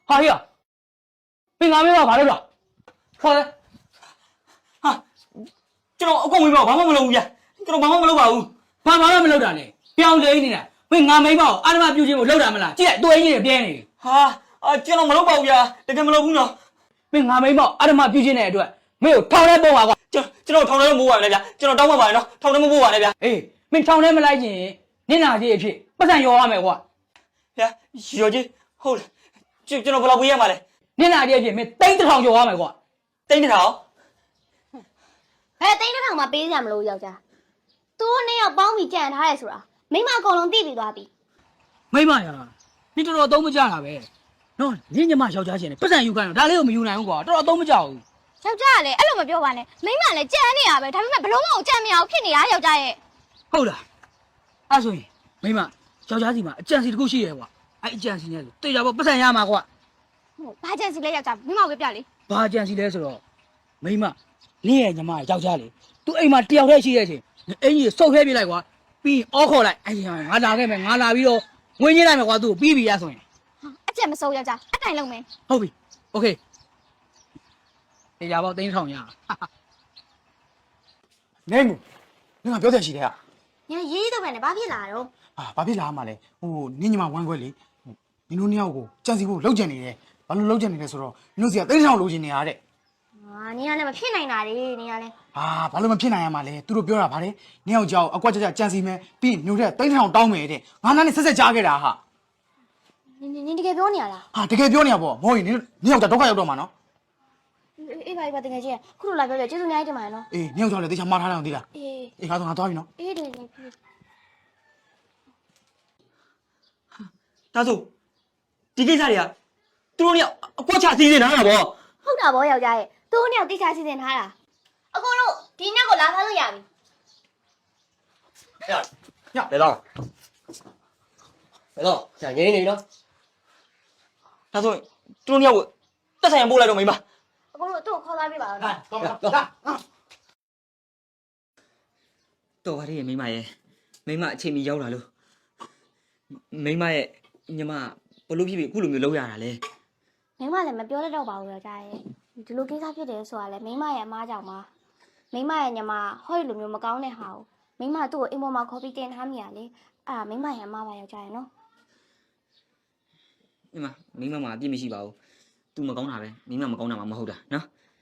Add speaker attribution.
Speaker 1: ဟာဟေ့မင်းငါမင်းဘာလုပ်တာခေါ်လေဟာကျွန်တော်အကုန်ဝင်ပါဘာမှမလုပ်ဘူးဗျာကျွန်တော်ဘာမှမလုပ်ပါဘူးဘာမှမလုပ်တာနဲ့ပြောင်းလဲနေတာမင်းငါမိန်းမကိုအာဓမပြုခြင်းကိုလုပ်တာမလားကြည့်လိုက်တွေ့ကြီးတွေပြဲနေဟာကျွန်တော်မလုပ်ပါဘူးဗျာတကယ်မလုပ်ဘူးနော်မင်းငါမိန်းမကိုအာဓမပြုခြင်းတဲ့အတွက်မင်းကိုထောင်ထဲပို့ပါကွာကျွန်တော်ထောင်ထဲမပို့ပါနဲ့ဗျာကျွန်တော်တောင်းပန်ပါတယ်နော်ထောင်ထဲမပို့ပါနဲ့ဗျာအေးမင်းထောင်ထဲမလိုက်ခြင်းနင့်နာကြီးအဖြစ်ပတ်စံရောရမယ်ကွာဗျာရောကြီးဟုတ်လားကျွန်တော်ဘယ်လောက်ပေးရမှာလဲနင့်နာကြီးအဖြစ်မင်းတိန်းတစ်ထောင်ကျော်ရမယ်ကွာတိန်းတစ်ထောင်
Speaker 2: ဘယ်တိန်းတစ်ထောင်မှပေးကြမလို့ယောက်ျားသူတို့နှစ်ယောက်ပေါင်းပြီးကြံထားရဲဆိုတာမိမအကုန်လုံးသိပြီးသွားပြီ
Speaker 1: မိမရနင်တော်တော်သုံးမကြတာပဲနော်ညညမယောက်ျားချင်းနဲ့ပတ်စံယူခိုင်းတော့ဒါလေးကိုမယူနိုင်ဘူးကွာတော်တော်သုံးမကြဘူး
Speaker 2: ယောက်ျားကလည်းအဲ့လိုမပြောပါနဲ့မိမလည်းကြံနေရပဲဒါပေမဲ့ဘလုံးမအောင်ကြံမရအောင်ဖြစ်နေတာယောက်ျားရဲ့
Speaker 1: ဟုတ်လားအဲ့ဆိုရင်မိမယောက်ျားစီမှာအကြံစီတစ်ခုရှိရဲကွာအဲ့အကြံစီနဲ့တေချာပေါ့ပတ်စံရမှာကွာ
Speaker 2: ဟုတ်ဘာကြံစီလဲယောက်ျားမိမကိုပြလေ
Speaker 1: ဘာကြံစီလဲဆိုတော့မိမနင့်ရဲ့ညီမယောက်ျားလေသူအိမ်မှာတယောက်တည်းရှိတဲ့အချိန်အင်ကြီးစုပ်ခဲပြလိုက်ကွာပြီးအော်ခေါ်လိုက်အဲ့ဒီငါလာခဲ့မယ်ငါလာပြီးတော့ဝင်ကြီးလိုက်မယ်ကွာသူ့ကိုပြီးပြီရဆိုရင်
Speaker 2: အကျက်မစိုးယောက်ျားအတိုင်လုံးမယ်
Speaker 1: ဟုတ်ပြီโอเคတေချာပေါ့တင်းထောင်ရ
Speaker 3: နေမူနင်ကပြောတယ်ရှိတယ်ဟာ
Speaker 2: ညာရေးတော့ပဲနဲ့ဘာဖြစ်လာတော့
Speaker 3: ဘာဖြစ်လာမှလဲဟိုနင်ညီမဝမ်းခွဲလေနင်တို့နှစ်ယောက်ကိုကြံစီဖို့လောက်ကျန်နေတယ်ဘာလို့လောက်ကျန်နေလဲဆိုတော့နင်တို့စီကတိတ်ထောင်လိုချင်နေရတဲ့
Speaker 2: နင်ကလည်းမဖြစ်နိုင်တာလေနင်ကလည်း
Speaker 3: ဘာလို့မဖြစ်နိုင်ရမှာလဲသူတို့ပြောတာဗါတယ်နင်ယောက်ကြောက်အကွက်ကြကြံစီမယ်ပြီးညိုတဲ့တိတ်ထောင်တောင်းမယ်တဲ့ငါနားနဲ့ဆက်ဆက်ကြားခဲ့တာဟာ
Speaker 2: နင်တကယ်ပြောနေရလား
Speaker 3: တကယ်ပြောနေရပေါ့မဟုတ်ရင်နင်ယောက်ကြောက်ဒုက္ခရောက်တော့မှာနော်
Speaker 2: အေးပါတကယ်ကြီးခုလိုလာပြောပြကျေးဇူးအများကြီးတင်ပါတယ်နော်
Speaker 3: အေးနင်ယောက်ကြောက်လည်းတေချာမှားထားတယ်အောင်သိလားအေးငါသွားပြီနော်
Speaker 2: အေးတယ်
Speaker 1: ဒါဆိုဒီကိစ္စတွေကသူတို့เนี่ยအကွက်ချစီးနေတာဗော
Speaker 2: ဟုတ်တာဗောယောက်ျားရဲ့သူတို့เนี่ยတိချာစီစဉ်ထားတာအကိုတို့ဒီညကိုလာဖမ်းလို့ရပြီ
Speaker 4: ညဘယ်တော့ကြာငင်းနေနော်
Speaker 1: ဒါဆိုသူတို့เนี่ยကိုတက်ဆိုင်ရပို့လိုက်တော့မိမ
Speaker 2: အကိုတို့သူ့ကိုခေါ်လာပြပါဦးနော်
Speaker 1: တော်ပါရဲ့မိမရဲ့မိမအချိန်မီရောက်လာလို့မိမရဲ့ညီမဘလို့ဖြစ်ပြီးအခုလိုမျိုးလုပ်ရတာလဲ
Speaker 2: မိမလည်းမပြောတတ်တော့ပါဘူးယောက်ျားရဲ့ဒီလိုကိစ္စဖြစ်တယ်ဆိုတာလေမိမရဲ့အမားကြောင့်ပါမိမရဲ့ညီမဟောဒီလိုမျိုးမကောင်းတဲ့ဟာကိုမိမသူ့ကိုအိမ်ပေါ်မှာခေါ်ပြီးတင်ထားမိရလေအဲ့ဒါမိမရဲ့အမားပါယောက်ျားရဲ့နော်
Speaker 1: မိမမှာအပြစ်မရှိပါဘူး तू မကောင်းတာပဲမိမမကောင်းတာမှမဟုတ်တာနော်